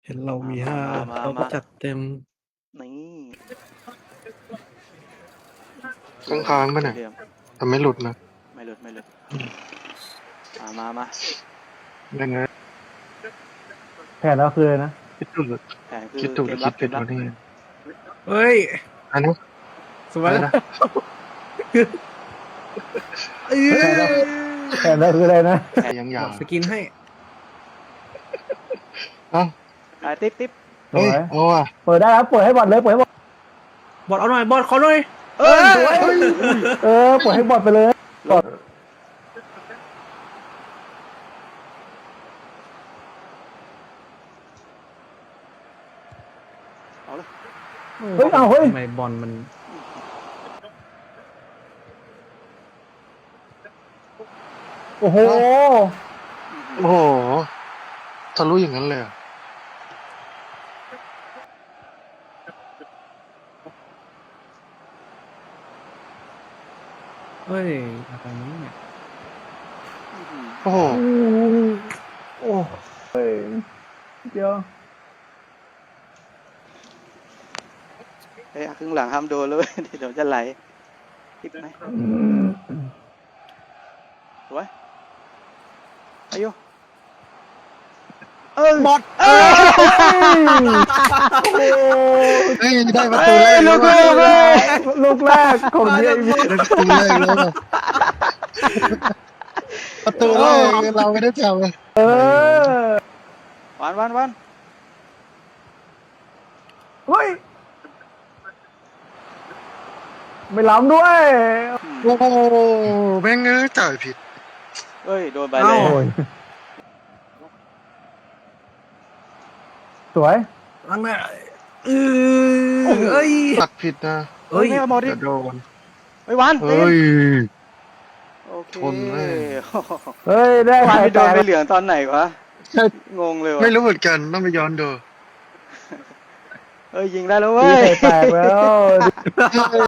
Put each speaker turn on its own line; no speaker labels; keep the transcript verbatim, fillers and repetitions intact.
ห็นเรามี
มา
ห้า
มามา
เราก็
มา
จัดเต็ม
นี่
ค้างๆป่ะเนี่ย
เหลี่ยม
แต่ไม่หลุดนะ
ไม่หลุดไม่หลุดมามามา
ยังไง
แผนเราคืออะไรนะ
คิดถูก
แผนคือ
คิดถูกห
เก
รือ
ม
คิ
รั
ด
บเก
ผิด
มรับ
วะเนี่ย
เฮ้ย
อันนี้
สวย
อะไร
นะ
นะ
เอ้ย
แผนเราคืออะไรนะ
ยัง
ห
ยาม ว
ดสกินให้
เอ้า
อ่ะติ๊บติ๊บ
สวย
เฮ้ยเอาอ่ะ
เปิดได้ครับเปิดให้บอลเลยเปิดให้บอล
บอดเอาหน่อยบอดขอหน่อย
เอ้ย
สวย
เออเปิดให้บอลไปเลยบอล
เอาเลย
เฮ้ยเอาเฮ้ย
ทำไมบอลมัน
โอ้โห
โอ้โหทะลุอย่างนั้นเลยเหรอ
เฮ้ยอะไรนี้เนี่ย
โอ้โห
โอ้เฮ้ยเดี๋ยว
เฮ้ยครึ่งหลังห้ามโดนเลย เดี๋ยวจะไหลติ๊บไหมสวยอายุเออบ
อด
เอ้ย
เฮ้ยได้ประตูแรก
ลู
แล้ว
ก
ว่ะ
ลูกเลย
ลูกแรกของเย
ได้ประตูแรกแล้วว่ะประตูแรกเราไม่ได้จับเลย
เออ
วันวันวัน
เฮ้ยไม่ล้ำด้วย
โอ้โหแม่งเอ้ยจ่ายผิด
เอ้ยโดนใบเลย
โอ้ยสวย
ลังน่ะเออเอ้ย
ตัดผิดนะ
เอ้ยไม่เอาบอลดิ
จะโดน
เฮ้ยวัน
เฮ้ย
โอเค
ทนแม่ง
เฮ้ยได้
วัน
หาย
ไปโด
แต
น
ก
ไปเหลืองตอนไหนวะ
ใช่
งงเลย
ไม่
วะ
รู้เหมือนกันต้องไปย้อนดู
เอ้ยยิงได้แล้วเว้
ตี
ย
ไข่แตกแล้ว